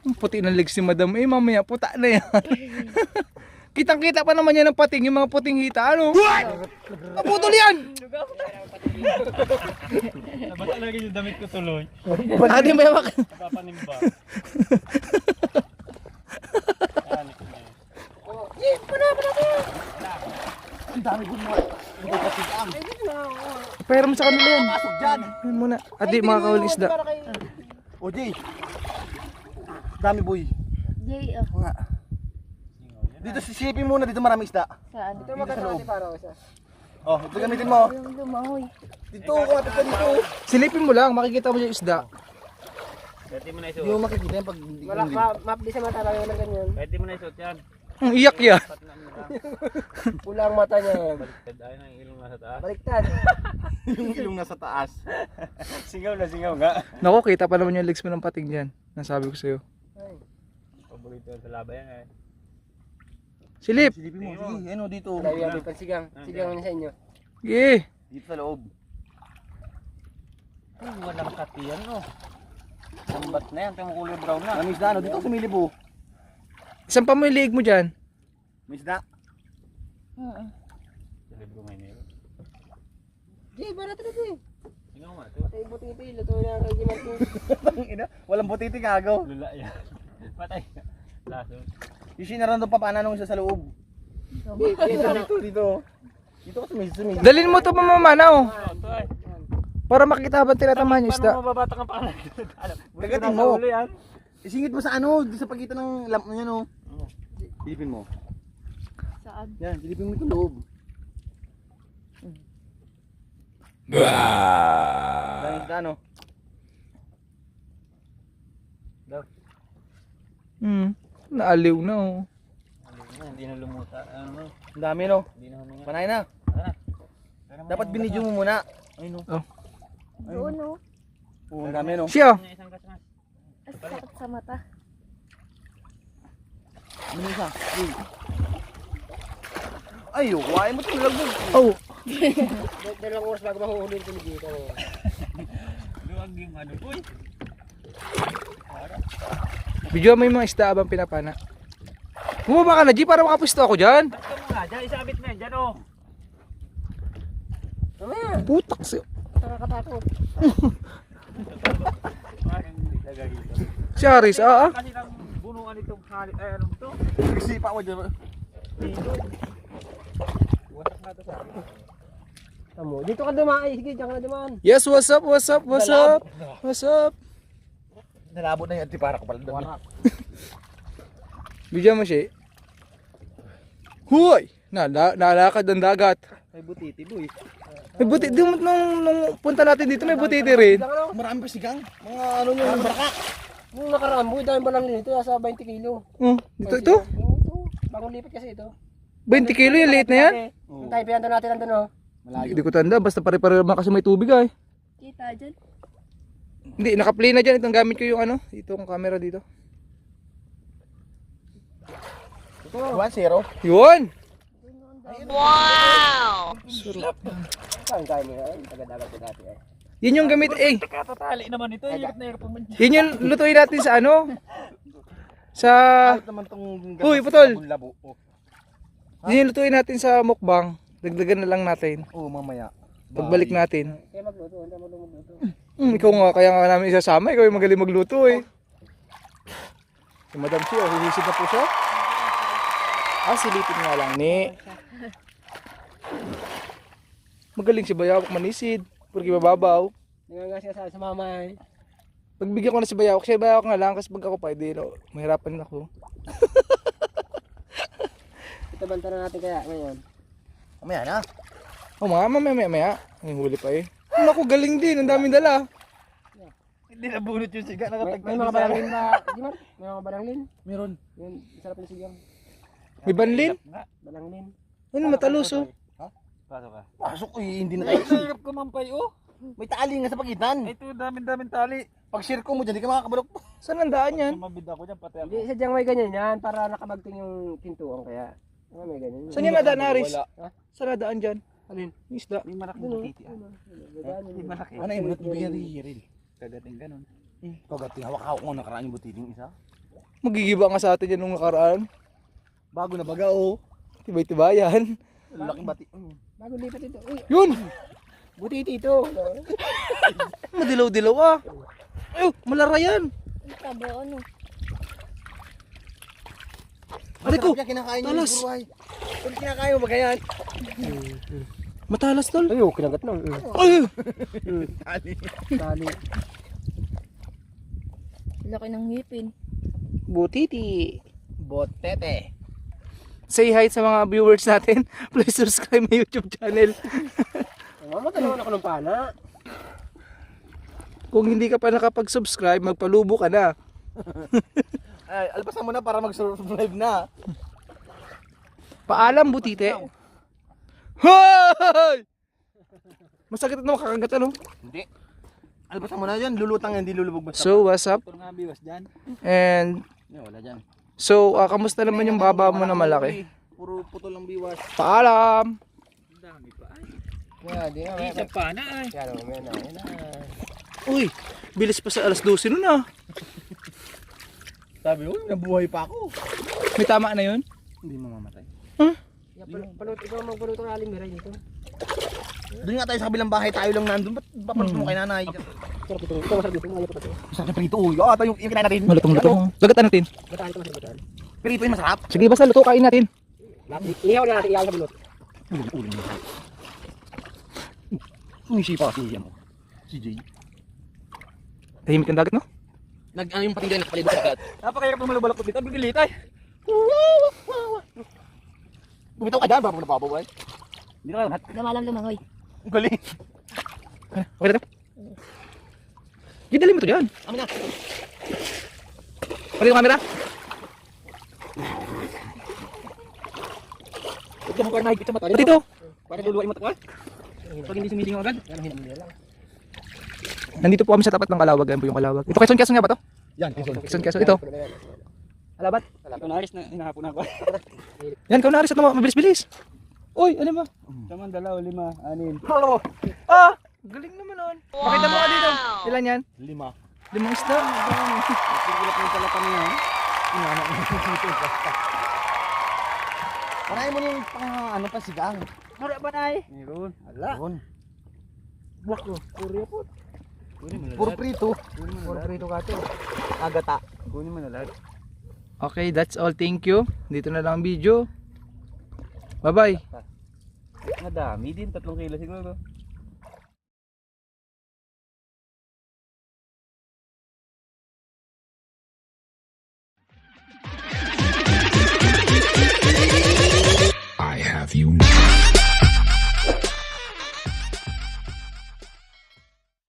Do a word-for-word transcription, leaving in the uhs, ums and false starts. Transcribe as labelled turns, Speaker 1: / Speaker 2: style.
Speaker 1: Ang puti ng legs ni madam. Eh mamaya puta na yan. Kitang-kita pa naman yan ng pating, yung mga puting hita. Ano? Naputol yan!
Speaker 2: Nabasa lagi yung damit ko tuloy.
Speaker 1: Ate may mak...
Speaker 2: Napapanimba.
Speaker 1: Pera mo sa kanila yan.
Speaker 3: Pasok dyan.
Speaker 1: Yan muna. Ate, mga kawal isda.
Speaker 3: O, Jay. Dami, boy.
Speaker 4: Jay, oh.
Speaker 3: Nga. Dito sisipin muna, dito marami isda.
Speaker 4: Saan?
Speaker 3: Dito maganda natin para isa. Oh, ito gamitin mo.
Speaker 4: Yung lumahoy.
Speaker 3: Dito, kumapit ka dito.
Speaker 1: Silipin mo lang, makikita mo yung isda.
Speaker 2: Pwede mo na
Speaker 3: Hindi
Speaker 2: isuot.
Speaker 3: mo makikita yan pag hindi
Speaker 5: Wala, ma map di sa mata lang yung ganyan.
Speaker 2: Pwede mo na isuot yan.
Speaker 1: Ang iyak yan.
Speaker 2: Pat na mo lang.
Speaker 5: Pula ang mata niya.
Speaker 2: Baliktad. Ayun ang ilong nasa taas.
Speaker 5: Baliktad.
Speaker 3: yung ilong nasa taas.
Speaker 2: Singaw na singaw nga.
Speaker 1: Naku, kita pa naman yung legs mo ng pating dyan. Nasabi ko sa'yo.
Speaker 2: Paborito sa laba yan eh.
Speaker 1: Silip!
Speaker 3: Silipin mo, sige. Ano, dito.
Speaker 5: Layo yan, may pansigang. Sigang niya sa inyo.
Speaker 1: Sige!
Speaker 3: Dito sa loob.
Speaker 2: Ay, walang kati yan no. Lambat na yan. Ito yung kulay brown na.
Speaker 3: May isda, ano? Dito sumilip po.
Speaker 1: Isang pa mo yung liig mo dyan.
Speaker 3: May isda.
Speaker 2: Sa libro may meron.
Speaker 5: Jay, para talaga eh.
Speaker 2: Singaw nga ito.
Speaker 5: Ay, buti-buti. Luto na ang kay Marco.
Speaker 3: Ina, walang butiti kagaw.
Speaker 2: Lula yan. Patay. Laso.
Speaker 3: Yung sinaran doon pa paano nung isa sa loob. Dito, dito, dito. Dito ka sumilip, sumilip.
Speaker 1: Dalin mo ito mamamanaw.
Speaker 2: Ito ay.
Speaker 1: Para makita habang tinatamahan yung isda.
Speaker 2: Paano mababatang ang pangalan?
Speaker 3: Kagatin mo. Isingit mo sa ano, dito sa pagitan ng lamp niya no. Silipin mo.
Speaker 4: Saan?
Speaker 3: Yan, silipin mo itong loob. Dami isda no.
Speaker 1: Hmm. Naaliw na oh.
Speaker 2: Hindi na lumuta. Ano?
Speaker 3: Ang dami no.
Speaker 2: Hindi na huminga.
Speaker 3: Panay na. Dapat binidyo mo muna. Ayun no.
Speaker 1: Oh.
Speaker 4: Doon, oh.
Speaker 3: Oo, ang dami no.
Speaker 1: Siya!
Speaker 2: Isang kasama.
Speaker 4: Ang sakit sa mata.
Speaker 3: Ano isa? Uy. Ay, oh, kuhain mo ito. Lagbog.
Speaker 1: Oh!
Speaker 5: Dalawang oras bago mahuhuli ito ni Jay.
Speaker 2: Luwag yung ano boy.
Speaker 1: Video mo yung mga isda habang pinapana. Bumaba ka na, G, para makapwisto ako dyan.
Speaker 2: Basta mo nga. Dyan, isabit mo yan. Dyan oh.
Speaker 1: Putak siya.
Speaker 5: Nakakatakot.
Speaker 2: Parang hindi nagagito.
Speaker 1: Si Aris, ah ah.
Speaker 2: Kasi nang bunungan itong halit. Ay anong to?
Speaker 3: Nagsipa mo dyan.
Speaker 2: Wasak na ito sa akin.
Speaker 5: Tamo. Dito ka dumaan. Sige, diyan ka na dumaan.
Speaker 1: Yes, what's up, what's up, what's up? What's up?
Speaker 3: Nalabot na yung antipara ko pala.
Speaker 1: Video mo siya. Huy! Na, na, nalakad ang dagat.
Speaker 3: May butiti, boy.
Speaker 1: May buti, di mo nung, nung punta natin dito, may butiti rin.
Speaker 3: Marami pa sigang. Mga ano nyo, yung baraka.
Speaker 5: Nung nakaraan mo, dahil balang nito, nasa twenty kilo.
Speaker 1: Oh, dito, ito.
Speaker 5: Oo, ito. Bagong lipat kasi ito.
Speaker 1: twenty kilo yung liit na yan.
Speaker 5: Yung tayo pinanda natin nandun, oh.
Speaker 1: Hindi ko tanda, basta pare-pare naman kasi may tubig ay.
Speaker 4: Kita dyan.
Speaker 1: Hindi, naka-play na dyan. Itong gamit ko yung ano, itong camera dito.
Speaker 3: one zero.
Speaker 1: Yun!
Speaker 5: Saan tayo mo yan? Taga-dagat ko dati eh.
Speaker 1: Yun yung gamit, eh.
Speaker 2: Katatali naman ito. Hirap na hirap pa man dyan.
Speaker 1: Yun yung lutuin natin sa ano? Sa...
Speaker 3: Kahit naman tong
Speaker 1: Uy, putol!
Speaker 3: labo. Oh.
Speaker 1: Yun yung lutuin natin sa mukbang. Dagdagan na lang natin.
Speaker 3: Oo, mamaya.
Speaker 1: Pagbalik natin.
Speaker 5: Kaya magluto, hindi mo magluto.
Speaker 1: Hmm, ikaw nga, kaya nga namin isasama. Ikaw yung magaling magluto eh. Si Madam Chi, oh, hihisid na po siya. Ah, silipin nga lang ni. Magaling si Bayawak manisid. Porque mababaw.
Speaker 5: Nangangas ka sa, sa mama eh.
Speaker 1: Pagbigyan ko na si Bayawak, siya Bayawak nga lang. Kasi pag ako pa, hindi, no, mahirapan ako.
Speaker 5: Ito banta na natin kaya ngayon.
Speaker 3: Mamaya na.
Speaker 1: Oh, mga mamaya, maya, maya. Ang huli pa eh. Naku, galing din. Ang daming dala.
Speaker 2: Hindi nabunot yung siga.
Speaker 5: May,
Speaker 2: Nakatagpag
Speaker 5: may mga balanglin ba? Di man? May mga balanglin?
Speaker 3: Meron.
Speaker 5: Yun, sarap na sigang.
Speaker 1: May banlin.
Speaker 5: Balanglin.
Speaker 1: Ano, matalos oh.
Speaker 2: Pasok ka.
Speaker 3: Pasok eh, hindi na tayo.
Speaker 2: Hirap kumampay oh.
Speaker 3: May tali nga sa pagitan.
Speaker 2: Ito daming-daming tali.
Speaker 3: Pag share ko mo dyan, di ka makakabalok.
Speaker 1: Saan ang daan yan?
Speaker 2: Sumabid ako dyan pati ako.
Speaker 5: Hindi, sadyang may ganyan yan para nakabagting yung pintuan kaya. Ah, may ganyan.
Speaker 1: Saan yan nadaan, Aris?
Speaker 5: Ha?
Speaker 1: Saan nadaan dyan?
Speaker 5: Alin?
Speaker 1: Yung isda.
Speaker 2: May malaking butiti ah. May malaki.
Speaker 3: Ano yung butiti yan, Riril?
Speaker 2: Kagating ganun.
Speaker 3: Kagating, hawak-hawak mo nakaraan yung butiting isa.
Speaker 1: Magigiba nga sa atin yan nung nakaraan.
Speaker 3: Bago na baga oh.
Speaker 1: Tibay-tibayan.
Speaker 3: Laking bati.
Speaker 5: Bago lipat ito. Uy,
Speaker 1: Yun!
Speaker 5: buti ito.
Speaker 1: Madilaw-dilaw ah. Ay, malara yan.
Speaker 4: Ang taba, ano?
Speaker 1: Aray ko,
Speaker 3: Masarap yan, kinakain niya
Speaker 1: talas.
Speaker 3: yung buruhay. Kung kinakain mo ba ganyan?
Speaker 1: Matalas tol.
Speaker 5: Ay, oh, kinagat na. Mm.
Speaker 1: Ay!
Speaker 3: Tali.
Speaker 5: Tali.
Speaker 4: Laki ng ngipin.
Speaker 5: Butiti.
Speaker 3: Botete.
Speaker 1: Say hi sa mga viewers natin. Please subscribe my YouTube channel.
Speaker 5: Mamatalawan ako ng pana.
Speaker 1: Kung hindi ka pa nakapag-subscribe, magpalubo ka na.
Speaker 3: Ay, alpasan mo na para mag-survive na.
Speaker 1: Paalam, butite. Hoy! Masakit na makakagat ano?
Speaker 3: Hindi. Alpasan mo na yan, lulutang yan, hindi lulubog basta.
Speaker 1: So, what's up?
Speaker 2: Ito nga biwas dyan.
Speaker 1: And,
Speaker 2: Yan, wala dyan.
Speaker 1: so, ah, kamusta naman yung baba mo na malaki?
Speaker 3: Puro putol ang biwas.
Speaker 1: Paalam!
Speaker 2: Ang dami pa ay.
Speaker 5: Yeah, di nga.
Speaker 2: Isa pa na ay.
Speaker 5: Yan, oh, yan, yan, yan.
Speaker 1: Uy, bilis pa sa alas dose nun ah.
Speaker 3: Sabi ko, nabuhay pa ako.
Speaker 1: May tama na yun?
Speaker 3: Hindi mamamatay.
Speaker 5: Yeah, palo- palo- ikaw ang magpaluto ng aling meron dito.
Speaker 3: Doon nga tayo sa kabilang bahay, tayo lang nandun. Ba't papaluto mo kay nanay?
Speaker 5: Sarap ito. Ito masarap dito. Ngayon pa ito.
Speaker 3: Masarap na prito. Uy, oh, ito yung, yung kinain natin.
Speaker 1: Malutong luto. Lagatan natin.
Speaker 5: Bataan ito masarap bataan.
Speaker 3: Prito yung masarap.
Speaker 1: Sige, basta luto, kain natin.
Speaker 5: Ihaw na natin, ihaw sa bulot.
Speaker 3: Ulo mo. Umisi pa kasi yan. Si Jay.
Speaker 1: Tahimik ang dagat, no?
Speaker 3: Nag, ano yung patinggan, nakapalibot sa agad.
Speaker 2: Napakahirap ng malubalak ko dito. Bibilit ay.
Speaker 3: Bumitaw ka dyan, baka mo napapawal.
Speaker 2: Hindi na kayo lahat.
Speaker 4: Lumalam lumangoy.
Speaker 3: Ang galing.
Speaker 1: Okay na to? Gidali mo to dyan.
Speaker 3: Amin na.
Speaker 1: Pati yung camera.
Speaker 2: Huwag ka mo parang nahigpit sa mata.
Speaker 1: Pati ito.
Speaker 2: Para luluwain mo ito. Pag hindi sumilingaw agad.
Speaker 5: Yan ang hinamuli lang.
Speaker 1: Nandito po kami sa tapat ng Kalawag. Ayan po yung Kalawag. Ito, Quezon, Quezon nga ba to?
Speaker 3: Yan, Quezon.
Speaker 1: Quezon, Quezon. Ito. Alabat.
Speaker 2: Ito na ayos na hinahapon ako.
Speaker 1: Yan, kau naaris at naman. Mabilis-bilis. Uy, ano ba?
Speaker 2: Saman, dalaw, lima, anin.
Speaker 1: Ah! Galing naman nun. Pakita mo ka dito. Ilan yan?
Speaker 3: Lima.
Speaker 1: Limang isda.
Speaker 2: Sigurap yung pala kami ha.
Speaker 3: Panahin mo na yung pang ano pa sigang.
Speaker 2: Mura ba na ay? Meron.
Speaker 3: Ala. Yun.
Speaker 5: Buwak ko. Purya po.
Speaker 2: Kunin mo na
Speaker 3: Puro
Speaker 2: lahat.
Speaker 3: prito.
Speaker 2: Kunin mo na
Speaker 5: Puro
Speaker 2: lahat.
Speaker 5: prito ka ito.
Speaker 3: Agata.
Speaker 2: Kunin mo na lahat.
Speaker 1: Okay, that's all. Thank you. Dito na lang ang video. Bye-bye.
Speaker 2: Madami din. Tatlong kilo siguro.